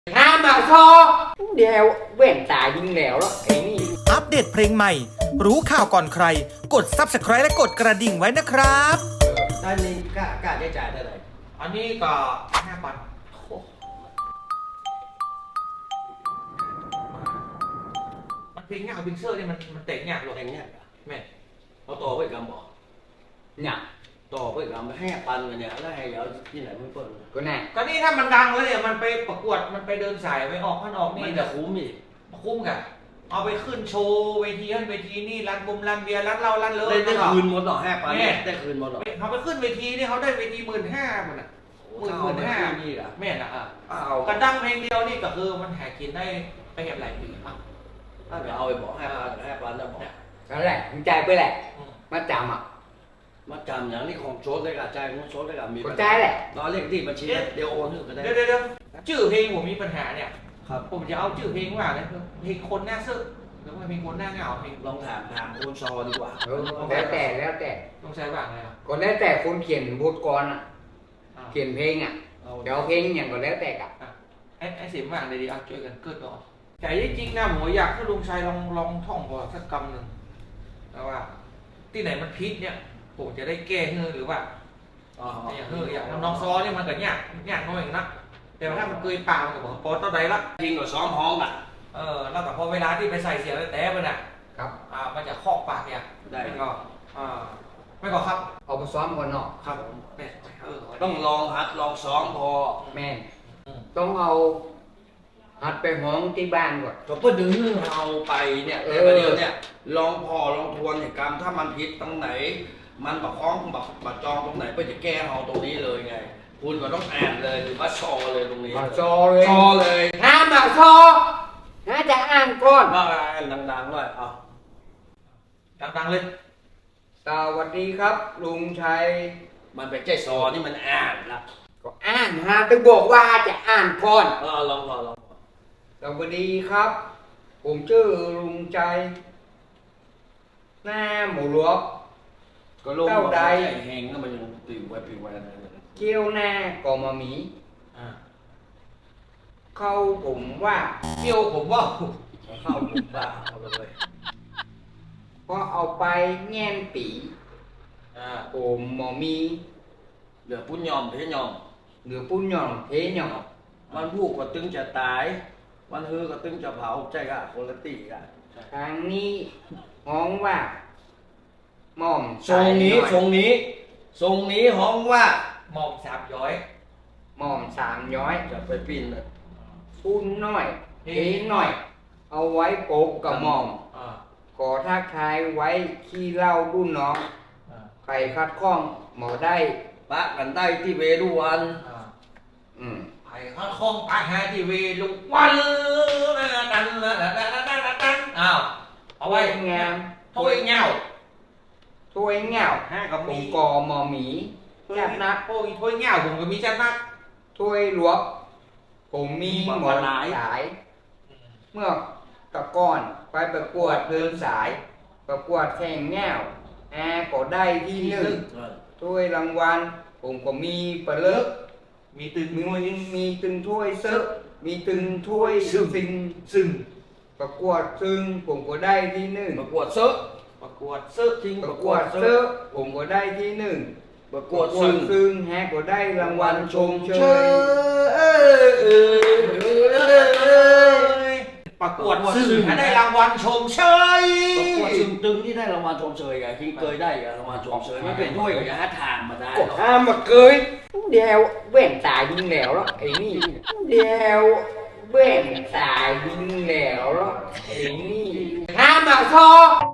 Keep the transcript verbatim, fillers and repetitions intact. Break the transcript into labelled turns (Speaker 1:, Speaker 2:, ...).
Speaker 1: ห้ามมาซอเดียวแว่นตายิงแล้วแล้วไอ้นี่
Speaker 2: อัปเดตเพลงใหม่รู้ข่าวก่อนใครกด ซับสไครบ์ และกดกระดิ่งไว้นะครับ
Speaker 3: อันนี้กล้ากล้าได้จ่ายเท่าไหร่
Speaker 4: อันนี้ก็ห้าพันมันเพลงเนี่ยเอาพิกเซอร์เนี่ยมันมันเตะเนี่ยหรอ
Speaker 3: แพงเนี่ย
Speaker 4: แม่
Speaker 3: เอาต่อไปกำบอก
Speaker 1: เนี่ย
Speaker 3: ต่อไปกำให้ปันกันเนี่ยแล้วให้เอาที่ไหนไม่เปิด
Speaker 1: ก็แน่
Speaker 4: ก็นี่ถ้ามันดังแล้วเนี่ยมันไปประกวดมันไปเดินสายไปออกมันออกนี่
Speaker 3: มันจะคุ้มอีก
Speaker 4: คุ้มกันเอาไปขึ้นโชว์เวทีนั่นเวทีนี่ร้านบุมร้านเบียร์ร้านเหล้าร้านเลิศ
Speaker 3: ได้คืนหมดหรอห้าปันได้คืนหมดหรอ
Speaker 4: เขาไปขึ้นเวทีนี่เขาได้เวทีหมื่นห้าหมดอ่ะหมื่นหมื่นห้า
Speaker 3: นี่อ่ะ
Speaker 4: แม่น่ะอ่ะ
Speaker 3: เอา
Speaker 4: กระดังเพลงเดียวนี่ก็คือมันหากินได้ไปเห็นหลายปีอ่ะ
Speaker 3: ถ้าเดี๋ยวเอาไปบอกห้าปันห้าปันแล้วบอก
Speaker 1: นั่นแหละมึงใจไปแหละมาจำอ่ะ
Speaker 3: มาจำอย่างนี้ของโชว์ได้กับใจของโชว์ได้กับมี
Speaker 1: ใจแหละ
Speaker 3: ตอนเลขที่บัญชีเดี๋ยวโอนก็ได้
Speaker 4: เดี๋ยวเดี๋ยวชื่อเพลงผมมีปัญหาเนี่ย
Speaker 3: ครับ
Speaker 4: ผมจะเอาชื่อเพลงว่าอะไรเพลงคนหน้าซึกหรือว่าเพลงคนหน้าเหงาเพลง
Speaker 3: ลองถามถามคนซอดีกว่า
Speaker 1: แล้วแต่แล้วแต่
Speaker 4: ต้องใช้บ้างไงครับ
Speaker 1: ก็แล้วแต่คนเขียนบทกรอ่ะเขียนเพลงอ่ะเดี๋ยวเพลงอย่างก็แล้วแต่กับ
Speaker 4: ไอ้ไอ้เสียงบ้างเลยดีอ่ะช่วยกันเกิดก่อนแต่จริงๆนะผมอยากให้ลุงชัยลองลองท่องก่อนสักคำหนึ่งแล้วว่าที่ไหนมันพิษเนี่ยผมจะได้แก้เฮือหรือว่าอย่างเฮืออย่างน้องซอเนี่ยมันก็ยากยากน้อยนะแต่ถ้ามันเกยปากมันก็บอกพอต้นใดละ
Speaker 3: จริงกว่าซ้อมห้องอ่ะ
Speaker 4: เออแล้วแต่พอเวลาที่ไปใส่เสียงแต่มันอ่ะ
Speaker 1: ครับ
Speaker 4: อ่ามันจะครอบปากเนี่ย
Speaker 3: ได้
Speaker 4: ก็อ่าไม่ก็ครับ
Speaker 1: เอาไปซ้อมก่อนเนาะ
Speaker 4: ครับแม่เออ
Speaker 3: ต้องลองหัดลองซ้อมพอ
Speaker 1: แม่ต้องเอาหัดไปห้องที่บ้านก่อน
Speaker 3: ก็เพื่อดึงเอาไปเนี่ยแต่ประเดี๋ยวเนี่ยลองพอลองทวนเหตุการณ์ถ้ามันผิดตรงไหนมันบักคล้องบักบักจองตรงไหนเพื่อจะแก้เอาตรงนี้เลยไงคุณก็ต้องอ่านเลยหรือว่าชอเลยตรงนี้
Speaker 1: ชอเลย
Speaker 3: ชอเลย
Speaker 1: ห้ามมาชอน่าจะอ่านก่อน
Speaker 3: ว่าอ่านดังๆด้วยเอา
Speaker 4: ดังๆเลย
Speaker 1: สวัสดีครับลุงชัย
Speaker 3: มันเป็นใจซอนี่มันอ่านละ
Speaker 1: ก็อ่านฮะต้องบอกว่าจะอ่านก่อน
Speaker 3: เออลองพอลอง
Speaker 1: สวัสดีครับผมชื่อลุงชัยหน้าหมูหลวก
Speaker 3: ก็ลงเต้าใดแหงก็มันยังปิวไว้ปิวไว้อะไร
Speaker 1: เกี้ยวหน้ากอมาหมีเข้าผมว่า
Speaker 4: เกี้ยวผมว่า
Speaker 3: เข้าผมว่าเอาเลย
Speaker 1: พอเอาไปแง่นปีผมหมอมี
Speaker 3: เหลือปุ้นยอมเพยอม
Speaker 1: เหลือปุ้นยอมเพยอม
Speaker 3: มันพูดก็ตึงจะตายมันฮือก็ตึงจะเผาใจกะคนละตีกะ
Speaker 1: ทางนี้ห้องว่าหม่อม
Speaker 3: ทรงนี้ทรงนี้ทรงนี้ห้องว่า
Speaker 4: หม่อมสามย้อย
Speaker 1: หม่อมสามย้อย
Speaker 3: จะไปปีนเลย
Speaker 1: ปุ้นน้อยเพน้อยเอาไว้โปกกับหม่อมขอทักทายไว้ขี้เล่ารุ่นน้องใครคัดข้องหมอได้
Speaker 3: ปะกันได้ที่เวรุวัน
Speaker 1: อืม
Speaker 4: ใครคัดข้องปะหาที่เวรุวันนั่นนั่นนั่นนั่นนั่นนั่นอ้าวเอาไว้
Speaker 1: งาม
Speaker 4: ถ้วยเงา
Speaker 1: ถ้วยเงา
Speaker 4: ห้ากับ
Speaker 1: ผมกอหมอหมีจัดนัก
Speaker 4: โอ้ยถ้วยเงาผมก็มีจัดนัก
Speaker 1: ถ้วยหลวกผมมีหมอนสายเมื่อตะก้อนไปประกวดเดินสายประกวดแข่งแง่วแอร์ก็ได้ที่หนึ่งถ้วยรางวัลผมก็มีประเลิก
Speaker 4: มีตึง
Speaker 1: มีมีตึงถ้วยเซิร์มีตึงถ้วยซึ่ง
Speaker 4: ซึ่ง
Speaker 1: ประกวดซึ่งผมก็ได้ที่หนึ่ง
Speaker 3: ประกวดเซิร์
Speaker 4: ประกวดเซิร์
Speaker 1: จริงประกวดเซิร์ผมก็ได้ที่หนึ่ง
Speaker 3: ประกวด
Speaker 1: ซึ่งแฮกก็ได้รางวัลชมเช
Speaker 4: ยประกวดซึ่งได้รางวัลชมเชย
Speaker 3: ประกวดซึ่งตึงที่ได้รางวัลชมเชยไงคิงเคยได้รางวัลชมเชยไม่เป็นด้วยกับยาทางมาได้
Speaker 1: ก็ห้ามมาเคยเดียวแว่นตายิงแล้วแล้วไอ้นี่เดียวแว่นตายิงแล้วแล้วไอ้นี่ห้ามมาซอ